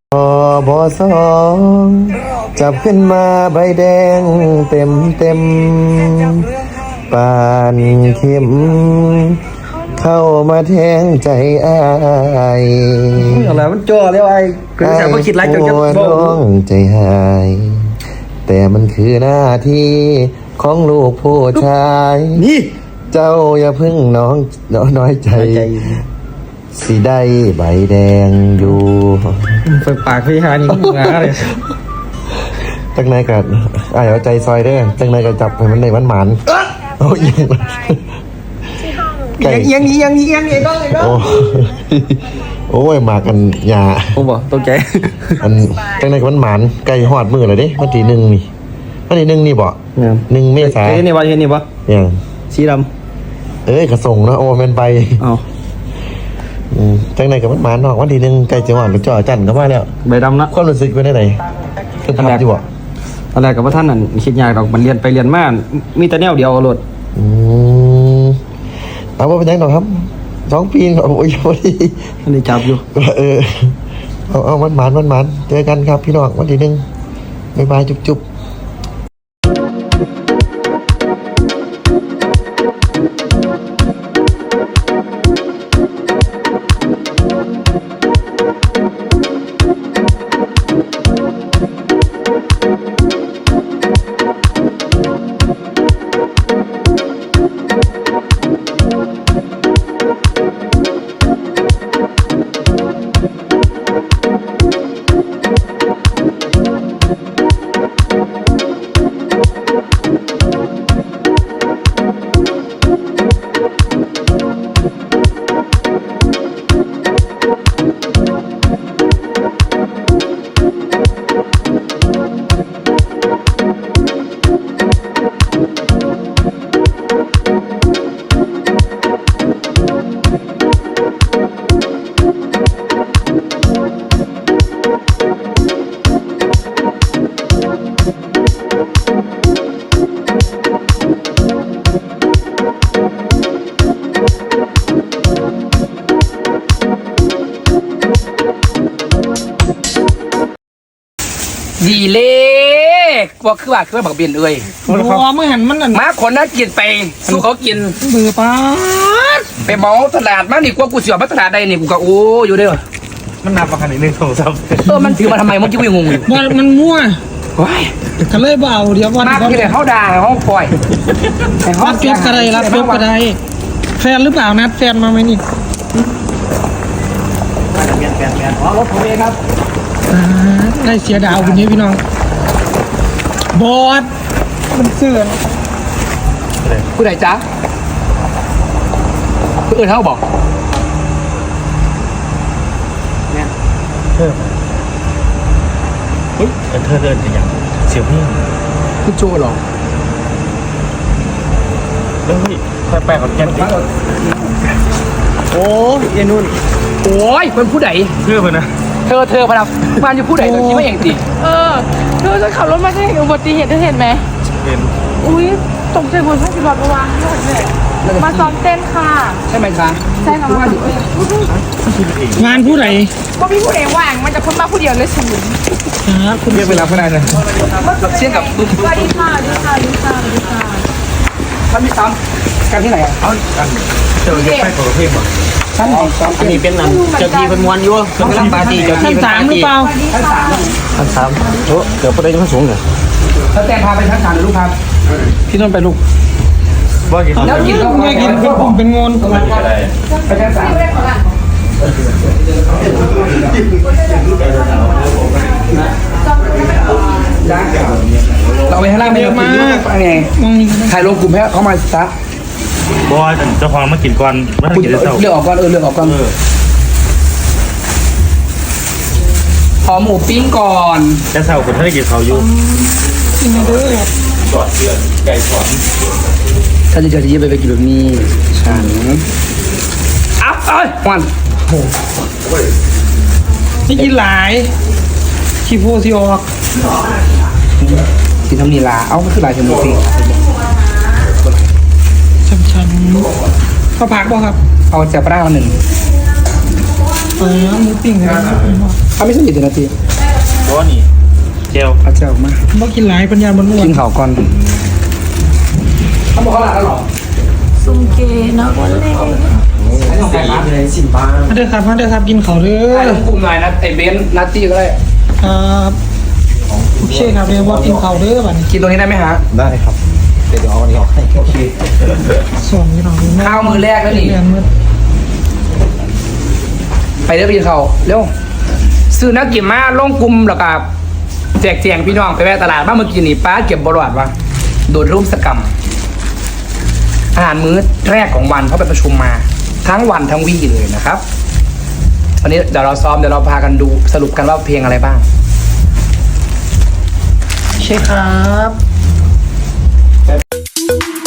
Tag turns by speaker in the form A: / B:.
A: บสองจับขึ้นมาใบแดงเต็มปานเข็มเข้ามาแทงใจอ้าย
B: อะไรมันจ่อเรียกว่าไอ้คือสาวก็คิดไรจนจะ
A: ร้องใจหายแต่มันคือหน้าที่ของลูกผู้ชาย
B: นี่
A: เจ้าอย่าพึ่งน้อยใจสีได้ใบแดงอยู่
B: เปิดปากพี่ฮานี่งาเลย
A: จังนายกัดเอาใจซอยเด้อจังนายกัดจับให้มันในวันหมานโอ้ย
B: ยัง
A: โอ้ยมากันยา
B: ผมบอกตกใจ
A: อันจังนายกับวันหมานไก่หอดมือเลยดิวันที่1นี่วันที่1นี่บ่1 เมษายน
B: เห็นนี่บ่
A: ยัง
B: สีด
A: ำกระส่งเนาะโอ้แม่นไป
B: เอา
A: จังนายกับวันหมานเนาะวันที่1ไก่จะหอดไปจ่อจันก็มาแล้ว
B: ใบดำนะ
A: ความรู้สึกเป็นไงคือทำอยู่บ่
B: ตอนแรกกับว่าท่านนั่นคิดยากดอกมันเรียนไปเรียนมามีแต่แนวเดียวรถ
A: เอาว่าเป็นยังไงครับ2 ปีโอ้ยพอดี
B: อันนี้จับอยู่
A: เอาวันหมานเจอกันครับพี่น้องวันที่1บ๊ายบายจุ๊บ
C: ดีเล็กว่าคือบักเบียนเอ้ย
B: หัวมือหันมันนั่น
C: มาคนนั้นกินไปสู้เขากิน
B: มือป้า
C: ไปเมาตลาดมานี่กว่ากูเสียมาตลาดใดนี่กูก็โอ้อยู่เด้อ
B: มันนับมาขนาดนี้1 2
C: 3มันถือมาทำไมเมื่อกี้กูยังงงอยู่
B: มันมั่ว
C: ว้าย
B: กันเลยเบาเดี๋ยววัน
C: มาที่ไหนเขาด่าเขาปล่อย
B: รับยกกระไรแฟนหรือเปล่านัดแฟนมาไหมนี่
C: อ๋อรถผมเองครับ
B: ได้เสียดาวคนนี้พี่น้องบอสมันเสื่อม
C: ผู้ใดจ๊ะผู้อื่นเขาบอก
A: เนี่ยเธอเดินอย่างเสียวพี่
C: ผู้โจหรอ
A: เฮ้ยแปลกๆของแกน
B: โอ้ยนุ่น
C: โอ้ยเป็นผู้ใด
A: เชื่อมันนะ
C: เธอพนักงานอยู่ผู้ใดเธอคิดว่าเองสิ
D: เธอจะขับรถมาจะเห็นอุบัติเหตุเธอเห็นไหม
A: เห็น
D: อุ้ยตกใจบนช่องสิบวัตรวางมาซ้อมเต้นค่ะ
C: ใช่ไหมคะ
D: ใช่ค่ะ
B: งานผู้ใด
D: ก็มีผู้ใดว่างมันจะพ้นมาผู้เดียวเลยฉัน
B: คุณ
A: เรียกเวลาเพื่อนนะ
C: เชี่ยกับตุ้ม
D: สวัสดีค่ะ
C: ท่านมีซ้ำกันที่ไหน
A: เอาเจอเก็บไปของเพลงบ่
C: ชั้น
B: อันนี้เป็นเจ้าที่เป็นมวลยั่วเป็นกำลังปาร์ตี้เจ้าที่เป็น3หรือเปล่า
A: ชั้น 3โอ้เดี๋ยวพอได้จะมาสูงเลย
C: แล้วแต่พาไปชั้น 3หรือลูกครับ
B: พี่ต้นไปลูก
C: แล้วกินก็
B: ไม่กินเป็นงน
C: ไปชั้น 3เราไปข้างล่างไม่เยอะมากไงถ่ายลงกลุ่มให้เขามาซะ
A: บอยเจ้าของมากินก่อนมากินเจ้า
C: เลือกออกก่อนเลือกออกก่อนขอหมูปิ้งก่อน
A: จะเศร้าคนถ้าได้กินเขาอยู่
B: กินด้วย
A: กอดเดือนไก่ทอด
C: ถ้าจะเจอที่ไปกินแบบนี้ฉันอัพวัน
B: นี่กินหลายขี้โพสิออก
C: ที่ทำนีลาเอาไม่คือหลายชั่วโมงสิ
B: ช้ำๆข้าวผักบ่ครับ
C: เอาเสียปลา1
B: หมูปิ้งกัน
C: ถ้าไม่สนิทนาที
E: ร้อนนี่เจล
C: อาจจะออกมา
B: บ่กินหลายปัญญาบนอ้ว
C: กิ
B: น
C: นข่าวก่อนเขาบอกเขาหลับแล้วหรอ
D: ซุ่มเกนะวันเล่
C: เลยสิบ้า
B: มาเด้อครับกินข้าวเด้
C: ให้
B: อ
C: ต้องคุมหน่อยนะไอ้เบนนัตตี้ก็ได้
B: ครับโอเคครับเดี๋ยวบอสกินข้าวเด้อบัดนี้
C: กินตรงนี้ได้ไหมฮะ
A: ได้ครับเดี๋ยวเอาอันนี้ออกให้
C: โอเค
B: ส่วนพี่น้อง
C: ข้าวมื้อแรกแล้วนี่
B: เรียมื้อ
C: ไปเรียกพี่เขาเร็วซื้อนักกินมาลงกลุ่มแล้วก็แจกแจงพี่น้องไปแวะตลาดบ้านเมื่อกี้นี่ป้าเก็บบรอดวะโดนรุมสกรรมอาหารมื้อแรกของวันเพราะไปประชุมมาทั้งวันทั้งวี่เลยนะครับวันนี้เดี๋ยวเราซ้อมเดี๋ยวเราพากันดูสรุปกันว่าเพลงอะไรบ้าง
B: ใช่ครับ